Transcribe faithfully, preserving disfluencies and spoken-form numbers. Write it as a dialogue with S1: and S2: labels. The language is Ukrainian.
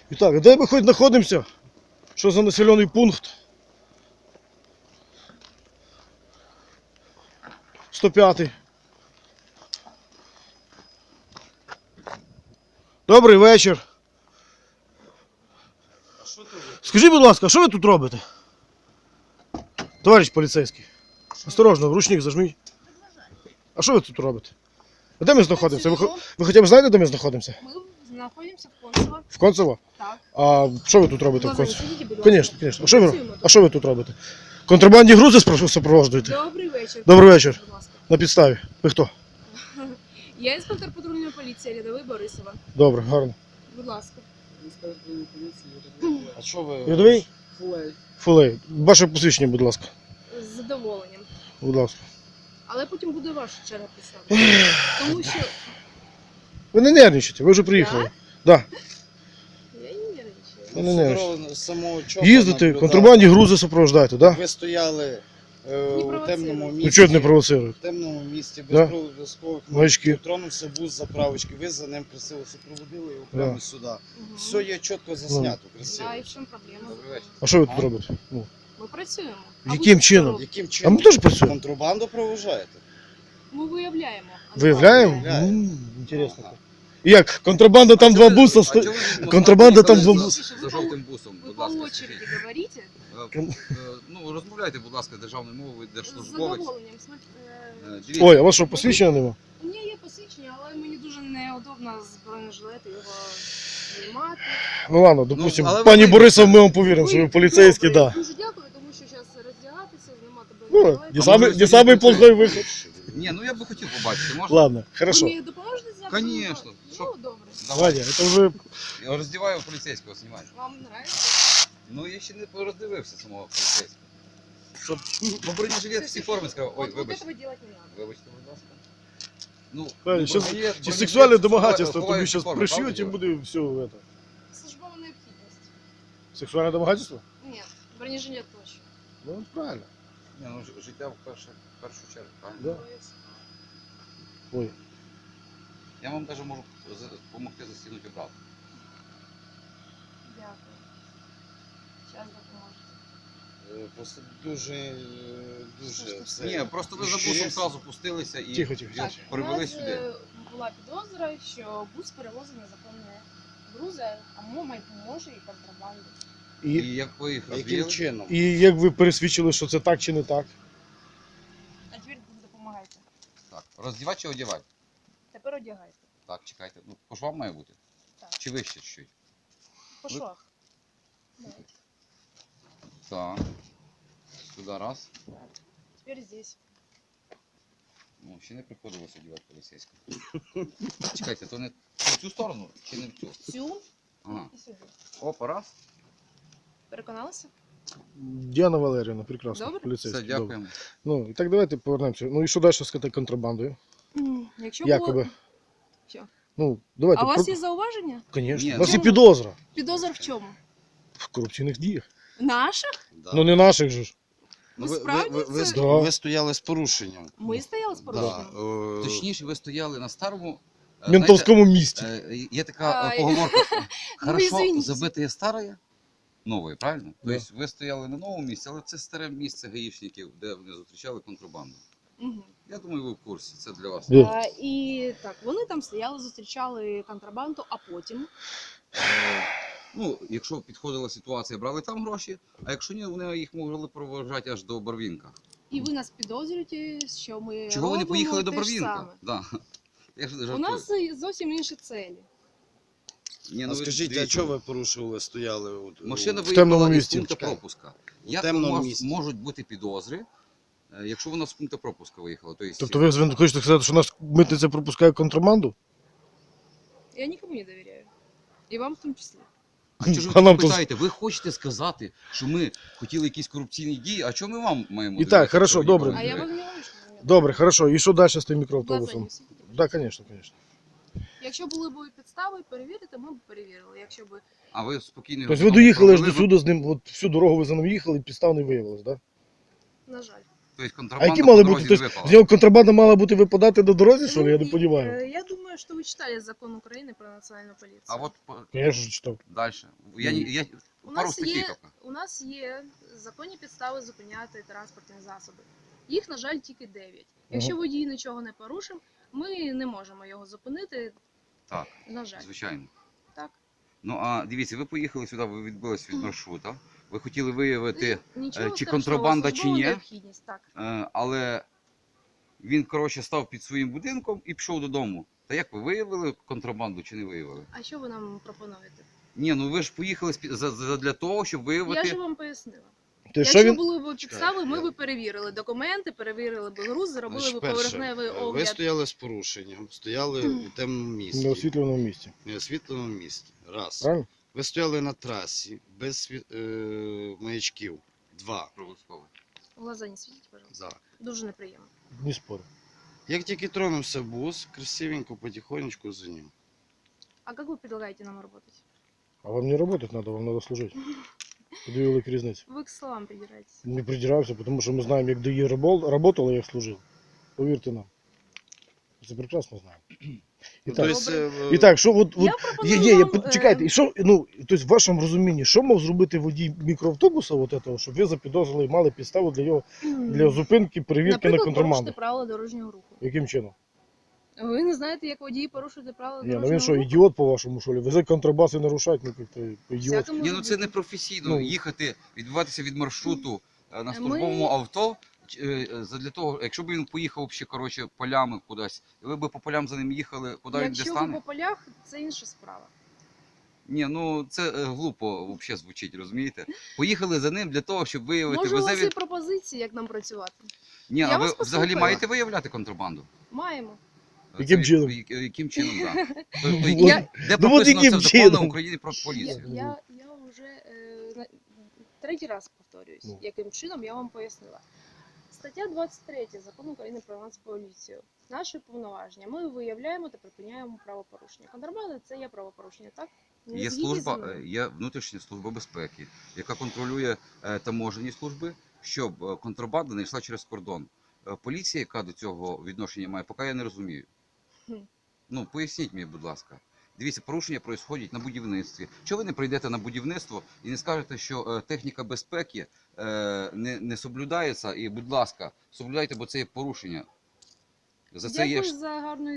S1: І так, а де ми хоч знаходимося? Що за населений пункт? сто п'ятий. Добрий вечір. Скажіть, будь ласка, що ви тут робите? Товариш поліцейський. Осторожно, ручник зажміть. А що ви тут робите? А де ми знаходимося? Ви, ви хоча б знаєте, де ми знаходимося?
S2: Ми знаходимося в Концево.
S1: В Концево?
S2: Так.
S1: А що ви тут робите в
S2: Глаза не
S1: Концево?
S2: світіть, будь ласка.
S1: Звісно, звісно. А що ви,
S2: Працюємо
S1: а що ви тут робите? Контрабандні грузи спро- супроводжуєте?
S2: Добрий вечір.
S1: Добрий вечір.
S2: Будь ласка.
S1: На підставі. Ви хто?
S2: Я інспектор патрульної поліції Рядовий Борисова.
S1: Добре, гарно.
S2: Будь ласка.
S3: А що ви?
S1: Рядовий?
S3: Фулей.
S1: Фулей. Ваше посвідчення, будь ласка.
S2: З задоволенням.
S1: Будь ласка.
S2: Але потім буде ваша черга представити. Тому що
S1: Ви не нервничайте, ви вже приїхали. Так. Да?
S2: я і не нервничаю.
S1: Ну, не нервничайте.
S3: Дорогу з самого чопа
S1: Їздите,
S3: наблюдали.
S1: контрабандні грузи супроводжуєте, так? Да?
S3: Ви стояли е, у
S2: провоцируйте.
S3: темному
S1: Ну
S3: місці.
S1: чого не провоцирують?
S3: В темному місці,
S1: Да.
S3: без обов'язкових
S1: Маячки.
S3: тронувся бус заправочки. Ви за ним красиво супроводили його прямо
S1: Да.
S3: сюди.
S2: Угу.
S3: Все є чітко заснято, красиво.
S2: Да, і в чому проблема?
S3: Добрий вечір.
S1: А що ви тут робите? Ну,
S2: Ми працюємо. А
S1: Яким
S2: ви що
S1: чином?
S2: робите?
S3: Яким
S1: а
S3: чином?
S1: ми теж працюємо.
S3: Контрабанду проважаєте?
S2: Ми виявляємо. а не
S1: Виявляємо?
S3: Виявляємо.
S1: М, Інтересно. І як? Контрабанда там два буса сто... Контрабанда там два буса.
S4: За жовтим бусом,
S2: Ви
S4: будь
S2: по
S4: ласка.
S2: очереді говорите.
S4: Е, е, Ну, розмовляйте, будь ласка, державною мовою,
S2: З
S4: держслужбовець.
S2: задоволенням. Смотри, е,
S4: Е, Дивіться,
S1: Ой, а у вас що, посвідчення нема?
S2: У мене є посвідчення, але мені дуже неудобно з бронежилету його знімати.
S1: Ну ладно, допустим,
S4: але ви
S1: пані
S4: вийдете.
S1: Борисов, ми вам повіримо, що ви поліцейський,
S2: Добре,
S1: да.
S2: Дуже дякую, тому що зараз роздягатися, знімати
S1: Ну,
S2: бронежилет.
S1: не
S4: А
S1: самый,
S4: може,
S1: не
S4: сьогодні
S1: самый плохой выход.
S4: ні, ну я би хотів побачити, можна?
S1: Ладно,
S2: Ви
S1: хорошо.
S2: мені допоможете зняти?
S4: Конечно.
S2: Ну,
S4: Що?
S2: добре.
S1: Ваня, это уже...
S4: Я роздіваю поліцейського, знімаю.
S2: Вам подобається?
S4: Ну, я ще не роздивився самого поліцейського. Щоб, ну, бронежилет всі форми сказав. Ой,
S2: Вот, вот
S4: вибачте.
S2: этого делать не надо.
S4: Вибачте, будь ласка. Ну,
S1: Ваня,
S4: ну,
S1: щас-
S4: бронежилет-
S1: Чи
S4: бронежилет
S1: сексуальне
S4: ховає-
S1: домагательство,
S4: ховає
S1: тобі
S4: всі
S1: зараз
S4: форми,
S1: пришьють
S4: правда
S1: і
S4: діло?
S1: буде все это.
S2: Службова необхідність.
S1: Сексуальне домагательство?
S2: Ні, бронежилет точно.
S1: Ну, правильно.
S4: Ні, ну, ж- життя в першу, в першу чергу, правильно?
S1: Да. Ой,
S4: Я вам навіть можу за- допомогти застігнути обратно.
S2: Дякую. Зараз допоможете.
S3: Е, Просто дуже, е, дуже все.
S4: Ні, просто ви за бусом
S3: Ще є?
S4: одразу пустилися і
S1: Тихо, тихо.
S4: його
S2: Так, у
S4: привели
S2: нас
S4: сюди.
S2: е, була підозра, що бус перевозив незаконні грузи, а мо- може і контрабанду.
S4: І
S1: і,
S4: як ви їх
S3: Яким
S4: розвіяли?
S3: чином?
S1: і як ви пересвідчили, що це так чи не так?
S2: А тепер допомагайте.
S4: Так, роздівати чи одягати?
S2: Тепер одягайте.
S4: Так, чекайте. Ну, по швам має бути?
S2: Так.
S4: Чи вище чуть-чуть?
S2: По швах. Давайте.
S4: Так. Сюди раз.
S2: Тепер здесь.
S4: Ну, ще не приходилось одягати поліцейського. Чекайте, то не в цю сторону чи не в цю?
S2: Цю
S4: Ага.
S2: і сюди.
S4: Опа, раз.
S2: Переконалися?
S1: Діана Валеріївна, прекрасно,
S2: Добре.
S1: поліцейський.
S4: Все,
S1: добре.
S4: дякуємо.
S1: Ну, і так давайте повернемося. Ну і що далі з цією контрабандою?
S2: Якщо
S1: Якоби.
S2: було... Що?
S1: Ну, давайте.
S2: А у вас
S1: про-
S2: є зауваження?
S1: Конечно.
S4: Ні,
S1: У нас є
S2: ну-
S1: підозра
S2: Підозр в чому?
S1: в корупційних діях.
S2: Наших?
S3: Да.
S1: Ну не наших же ж.
S2: Ви
S3: ви, ви,
S2: справді
S3: ви, ви,
S2: це-
S3: сто-
S1: Да.
S3: ви стояли з порушенням.
S2: Ми стояли з
S3: Да.
S2: порушенням?
S3: е,
S4: Точніше, ви стояли на старому. е,
S1: Ментовському місті.
S4: знаєте, е, Є така е,
S2: Ай.
S4: поговорка. Хорошо
S2: извините.
S4: забитое старе, нове, правильно?
S1: Да.
S4: Тобто ви стояли на новому місці, але це старе місце гаїшників, де вони зустрічали контрабанду.
S2: Угу.
S4: Я думаю, ви в курсі, це для вас.
S1: Де?
S2: А, і так, вони там стояли, зустрічали контрабанду, а потім.
S4: Е, Ну, якщо підходила ситуація, брали там гроші, а якщо ні, вони їх могли проважати аж до Барвінка.
S2: І ви нас підозрюєте, що ми.
S4: Чого ви не
S2: робимо
S4: поїхали до
S2: те ж
S4: Барвінка?
S2: саме.
S4: Да. Я ж
S2: У
S4: жартую.
S2: нас зовсім інші цілі.
S4: Ні,
S3: А
S4: ну, ви
S3: скажіть, а
S4: дивіться,
S3: чого ви порушували, стояли? От,
S4: Машина
S3: у-
S1: В темному
S4: виїхала із
S1: місці.
S4: пункту
S3: Чекай.
S4: пропуска. Як
S3: темному
S4: у вас
S3: місці.
S4: можуть бути підозри, е, якщо вона з пункту пропуска виїхала? Тобто,
S1: Тобто ви звин- хочете сказати, що нас митниця пропускає контрабанду?
S2: Я нікому не довіряю. І вам в тому числі.
S4: А чого ж ви
S1: А нам
S4: так
S1: тут-
S4: питаєте? Ви хочете сказати, що ми хотіли якісь корупційні дії, а чого ми вам маємо
S1: І так,
S4: довіряти,
S1: хорошо,
S4: що ви
S1: добре.
S4: ніколи
S2: А
S4: не
S2: я вас
S4: довіряєте?
S2: не говорю, що ви
S1: Добре, хорошо. І що далі з тим
S2: Глаза
S1: мікроавтобусом?
S2: не світіть.
S1: Так, да, звісно, звісно.
S2: Якщо були б підстави перевірити, ми б перевірили. Якщо б
S4: А ви спокійно...
S1: Тобто ви
S4: його
S1: доїхали аж
S4: провели,
S1: до сюди з ним, от всю дорогу ви за ним їхали, підстав не виявилось, так?
S2: на жаль.
S4: Тобто
S1: А
S4: контрабанда
S1: які
S4: по
S1: мали
S4: дорозі
S1: бути?
S4: не
S1: Тобто,
S4: випала.
S1: з нього контрабанда мала бути випадати на дорозі, що ли? Я не
S2: Ну, и,
S1: розумію.
S2: э, Я думаю, что вы читали закон Украины про национальную полицию.
S4: А от
S1: Я ж читав.
S4: далі. Я, не- я,
S2: У
S4: пару
S2: нас,
S4: статей
S2: є,
S4: тільки.
S2: у нас є законні підстави зупиняти транспортні засоби. Їх, на жаль, тільки дев'ять. Якщо
S1: Ага.
S2: водій нічого не порушив, ми не можемо його зупинити.
S4: Так,
S2: На жаль.
S4: звичайно.
S2: Так.
S4: Ну а дивіться, ви поїхали сюди, ви відбились від маршрута. Ви хотіли виявити,
S2: Нічого
S4: чи
S2: страшного,
S4: контрабанда, чи
S2: службова
S4: ні?
S2: необхідність, так.
S4: е, але він, коротше, став під своїм будинком і пішов додому. Та як ви виявили контрабанду чи не виявили?
S2: А що ви нам пропонуєте?
S4: Ні, ну ви ж поїхали спі- за, за, для того, щоб
S2: Я
S4: виявити.
S2: ж вам пояснила.
S1: Ти що
S2: Якщо
S1: він?
S2: були б підстави, ми
S3: я-
S2: б перевірили документи, перевірили б груз, зробили
S3: Значить,
S2: б
S3: перше,
S2: поверхневий
S3: ви
S2: огляд.
S3: стояли з порушенням, стояли у темному
S1: На
S3: місці,
S1: освітленому місці.
S3: в неосвітленому місці. Раз.
S1: Правильно?
S3: Ви стояли на трасі без сві- е, маячків. Два.
S4: Обов'язково.
S2: В глаза не світіть, пожалуйста.
S3: Да.
S2: Дуже неприємно.
S1: Не спорю.
S3: Як тільки тронувся бус, красивенько, потихонечку за ним.
S2: А как вы предлагаете нам работать?
S1: А вам не работать надо, вам надо служити. Дві великі різниці.
S2: Вы к словам придираетесь.
S1: Не придирався, тому що ми знаємо, як ДАІ працювало, як служив. Повірте нам. Це прекрасно знаємо. І
S3: Ну,
S1: так,
S3: то есть, е,
S1: і так, що от, от
S2: Я пропоную
S1: є, є, я,
S2: вам, е,
S1: чекайте, і що, ну, тобто в вашому розумінні, що мав зробити водій мікроавтобуса, от этого, щоб ви запідозрили і мали підставу для його, для зупинки, перевірки на
S2: Наприклад,
S1: контрабанду?
S2: порушити правила дорожнього руху.
S1: Яким чином?
S2: Ви не знаєте, як водії порушують правила
S1: Ні, ну
S2: дорожнього
S1: він що,
S2: руху?
S1: ідіот по-вашому, що ли? Везе контрабас і нарушать, ну, як-то ідіот.
S2: Всяке може
S4: Ні, ну це
S2: бути.
S4: не професійно.
S1: Ну.
S4: Їхати, відбуватися від маршруту е, на
S2: Ми-
S4: службовому авто. ч- е, е, Задля того, якщо б він поїхав ще, коротше, полями кудись, і ви б по полям за ним їхали, куди він де
S2: Якщо ви
S4: стане?
S2: по полях, це інша справа.
S4: Ні, ну це е, глупо взагалі звучить, розумієте? Поїхали за ним для того, щоб виявити,
S2: Може, у
S4: везе
S2: вас є
S4: він...
S2: пропозиції, як нам працювати?
S4: Ні,
S2: Я
S4: а ви
S2: вас
S4: взагалі
S2: послухаю.
S4: маєте виявляти контрабанду?
S2: Маємо.
S4: Е,
S1: Яким
S4: це-
S1: чином?
S4: я- Яким чином, так. Тобто,
S1: Ну,
S2: Я-
S4: де
S1: ну, от
S4: прописано
S1: яким
S4: це в законі
S1: чином?
S4: України про
S2: Я,
S4: поліцію?
S2: я, я вже е, на- третій раз повторююсь,
S1: Ну.
S2: яким чином я вам пояснила. Стаття двадцять три закону України про Нацполіцію. Наші повноваження. Ми виявляємо та припиняємо правопорушення. Контрабанда це є правопорушення, так? Не
S4: Є
S2: згідні зі
S4: служба,
S2: мною?
S4: е, є внутрішня служба безпеки, яка контролює е, таможені служби, щоб е, контрабанда не йшла через кордон. Е, Поліція, яка до цього відношення має, поки я не розумію.
S2: Хм.
S4: Ну, поясніть мені, будь ласка. Дивіться, порушення происходять на будівництві. Чого ви не прийдете на будівництво і не скажете, що е, техніка безпеки е, не, не соблюдається, і, будь ласка, соблюдайте, бо це є порушення. За це є
S2: Дякую за гарну